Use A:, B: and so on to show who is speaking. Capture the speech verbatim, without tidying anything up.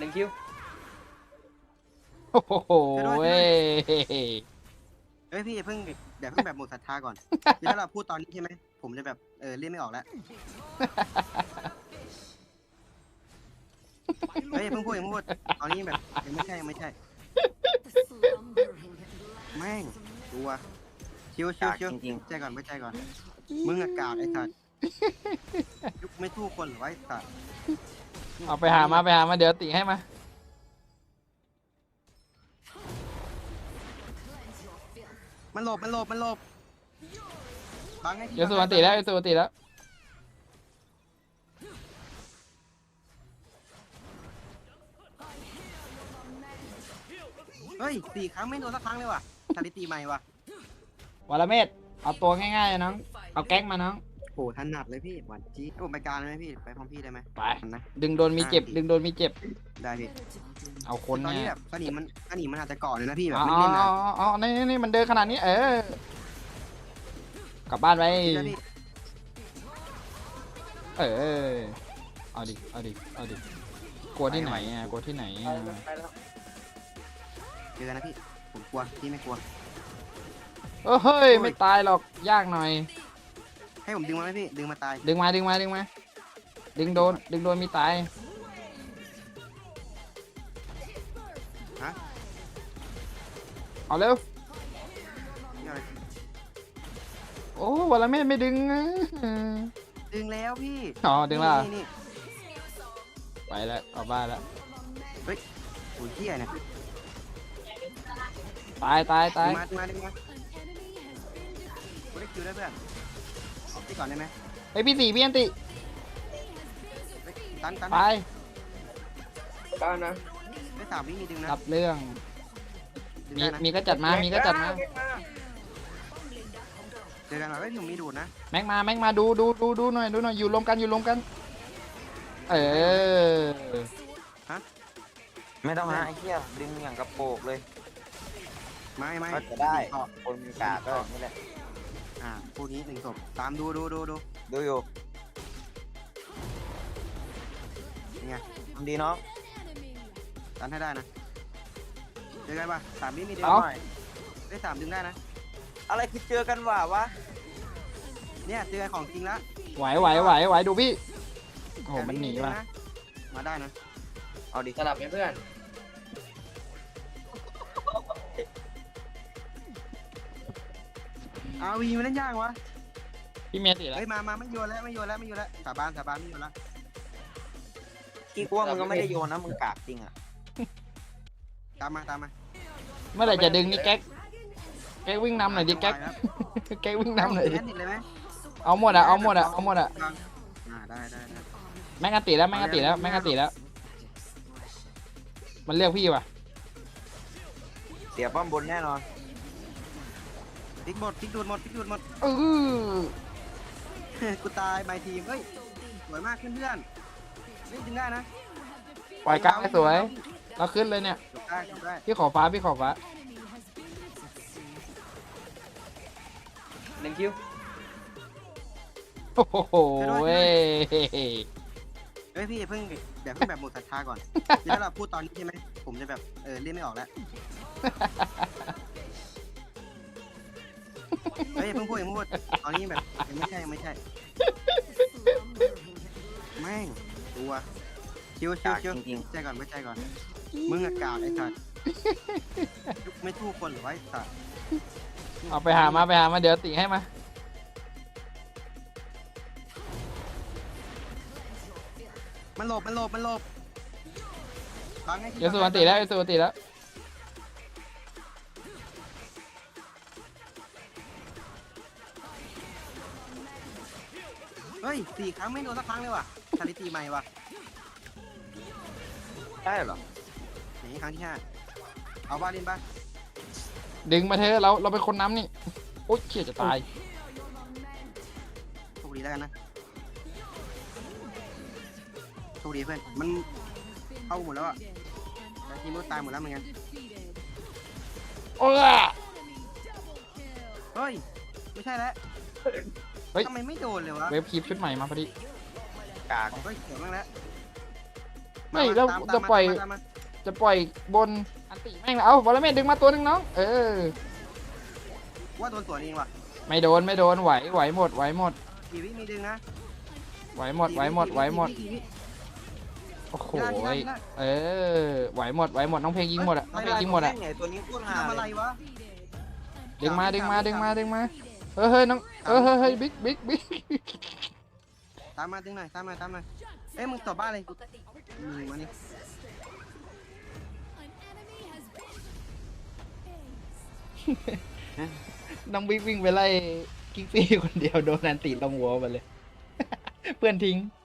A: หนึ่งคิว
B: โอ้โหเว้ย
C: เฮ้ยพี่เพิ่งเดี๋ยวเพิ่งแบบหมดศรัทธาก่อนคือถ้าเราพูดตอนนี้ใช่ไหมผมจะแบบเออเล่นไม่ออกแล้วเฮ้ยเพิ่งพูดยังพูดตอนนี้แบบยังไม่ใช่ยังไม่ใช่แม่งตัวชิวชิวชิวใจก่อนไม่ใจก่อนมึงอากาศไอ้สัตว์ยุคไม่ทู่คนหรือไอ้สัตว์
B: เอาไปหามาไปหามาเดี๋ยวติให้มา
C: มันหลบมันหลบมันหลบบังให้ที
B: เดี๋ยวสุวรรณติแล้วเดี๋ยวสุวรรณติแล้ว
C: เฮ้ยสี่ครั้งไม่โดนสักครั้งเลยว่ะสถิติใหม่ว่ะ
B: วรเมธเอาตัวง่ายๆน้องเอาแก๊งมาน้อง
C: โหถนัดเลยพี่หวานจี๊ดให้ผมไปกลารไหมพี่ไปพร้อมพี่ได้ไหม
B: ไป
C: นะ
B: ดึงโดนมีเจ็บดึงโดนมีเจ็บ
C: ได้พี่
B: เอาคน
C: ตอน
B: ไง
C: นี้แบบสนิมมันสนิมมันอาจจะเกาะเลยนะพี่แบบ
B: อ๋อ
C: ไม่เล่นนะ
B: อ๋อนี่นี่มันเดินขนาดนี้เออกลับบ้านไป
C: พี่นะพี่
B: เออเอาดิเอาดิเอาดิกลัวที่ไหนอ่ะกลัวที่ไหนอ่ะ
A: ไปแล้ว
C: เจอกันนะพี่ผมกลัวพี่ไม่กลัว
B: เออเฮ้ยไม่ตายหรอกยากหน่อย
C: ให้ผมดึงมาไหมพี่ดึงมาตาย
B: ดึงมาดึงมาดึงมาดึงโดนดึงโดนมีตาย
C: ฮะ
B: เอาเร็ว
C: นี่อะไร
B: โอ้วรเมธไม่ดึงนะ
C: ดึงแล้วพี่
B: อ๋อดึงและ
C: นี่นี่
B: ไปแล้วกลับบ้านแล้ว
C: เฮ้ยโอ้ยเหี้ยเนี่ย
B: ตายตาย
C: ดึ
B: ตาย
C: งมาดึงมาดึงมากูได้คิวได้เพื่อนเอาที่ก่อนได้ไหม
B: ไอพี่สี่พี่อันติ
C: เฮ้ยตันตัน
B: ไป
A: บ้านนะ
C: ได้สามวิมีดึงนะ
B: รับเรื่อง
C: ดึง
B: มี
C: ได้นะ
B: มีก็จัดมามีก็จัดมา
C: เจอกันหน่อยเฮ้ยผมมีดูดนะ
B: แม็กมาแม็กมาดูดูดูดูหน่อยดูหน่อยอยู่รวมกันอยู่รวมกันเออ
D: ไม่ต้องหาไอ้เหี้ยดึงอย่างกระโปงเลย
C: ไม่ไม่
D: ก็จะได้
C: เกาะ
D: คนมีกาก็นี่แหละ
C: อ่าคู่นี้หนึ่งศพตามดูดูดูดู
D: ดูอยู่
C: เป็นไง
D: ทำดีน้อง
C: ตันให้ได้นะเจอกันป่ะสามวิมีดึง
B: เอา
C: หน่อยได้สามดึงได้นะ
D: อะไรคือเจอกันว่าวะ
C: เนี่ยเจอของจริงแล้ว
B: ไหวไหวไหวไหวดูพี่โอ้โหมันหนีว่ะ
C: มาได้นะ
D: เอาดิ
A: สลับไหมเพื่อน
C: อาวีมันเล่นยากวะ
B: พี่เมียติแล้ว
C: เฮ้ยมามาไม่โยนแล้วไม่โยนแล้วไม่โยนแล้วสาบานสาบานไม่โยนแล้ว
D: กี่กว่ามึงก็ไม่ได้โยนนะมึงกากจริงอ่ะ
C: ตามมาตามมา
B: เมื่อไหร่จะดึงนี่แก๊กแก๊กวิ่งนำหน่อยดิแก๊กแก๊กวิ่งนำหน่อยดิ
C: แติดเลยไหม
B: เอาหมดอะเอาหมดอะเอาหมดอะ
C: อ่าได้ได้ได้
B: แม็กอันติแล้วแม็กอันติแล้วแม็กอันติแล้วมันเรียกพี่ว่ะ
D: เสียป้อมบนแน่นอน
C: ติ๊กหมดติ๊กดูดหมดติ๊กดูดหมด
B: เออ
C: กูตายใบทีมเฮ้ยสวยมากเพื่อนๆนี่ดึงได้นะ
B: ปล่อยกลางให้สวยเราขึ้นเลยเนี่ย
C: จบได้จบได้
B: พี่ขอฟ้าพี่ขอฟ้า
A: หนึ่งคิว
B: โอ้โหเว้ย
C: เฮ้ยพี่เพิ่งเดี๋ยวเพิ่งแบบหมดศรัทธาก่อนคือถ้าเราพูดตอนนี้ใช่ไหมผมจะแบบเออเล่นไม่ออกแล้วเฮ้ยเพิ่งพูดยังพูดตอนนี้แบบยังไม่ใช่ยังไม่ใช่แม่งตัวชิวชิวชิวใจก่อนไม่ใจก่อนมึงอากาศไอ้สัตว์ยุคไม่ทู่คนหรือไอ้สัตว์
B: เอาไปหามาไปหามาเดี๋ยวติให้มา
C: มันหลบมันหลบมันหลบบังให้ที
B: เดี๋ยวสุวรรณติแล้วเดี๋ยวสุวรรณติแล้ว
C: เฮ้ยสี่ครั้งไม่โดนสักครั้งเลยว่ะสถิติใหม่ว่ะ
D: ได้เหรอ
C: นี่ครั้งที่ห้าเอาบ้าเล่นบ้า
B: ดึงมาเถอะเราเราเป็นคนน้ำนี่โอ๊ยเชี่ยจะตาย
C: โชคดีแล้วกันนะโชคดีเพื่อนมันเข้าหมดแล้วอ่ะแต่ทีมก็ตายหมดแล้วเหมือนกัน
B: โอ้ย
C: เฮ้ยไม่ใช่แล้ว
B: เฮ้ย
C: ทำไมไม่โดนเลยวะ
B: เวฟคลิปชุดใหม่มาพอดี
D: กาก
C: เฮ้ยเสียงบ้างแล้ว
B: ไม่แล้ว
C: ตาม
B: จะ
C: ตาม
B: ปล่อย
C: ตามมา
B: จะปล่อยบนอันติแม่งแล้วเอาบอลเมดดึงมาตัวหนึงน้องเออ
C: ว่าโดนสวนเองว่ะ
B: ไม่โดนไม่โดนไหวไหวหมดไหวหมด
C: กี่วิมีดึงนะ
B: ไหวหมดไหวหมดไหวหมด
C: กี่วิ
B: โอ้โห
C: ไม่ได้ไม่ได้
B: เออไหวหมดไหวหมดน้องเพลงยิงหมดอะน้องเพลงยิงหมดอะ
D: ไงตัวนี้โคตร
C: กี่วิ
D: หา
C: ทำอะไร
D: เลยว
C: ะ
B: ดึงมาดึงมาดึงมาดึงมาเฮ้ยเฮ้ยน้องเออเฮ้ยเฮ้ยบิ๊กบิ๊กบิ๊ก
C: ตามมาดึงหน่อยตามมาตามมาเอ้ยมึงตบบ้านเลยอืมมานี่
B: น้องบิ๊กวิ่งไปไล่กิ๊กซี่คนเดียวโดนอันติลงหัวไปเลย เพื่อนทิ้ง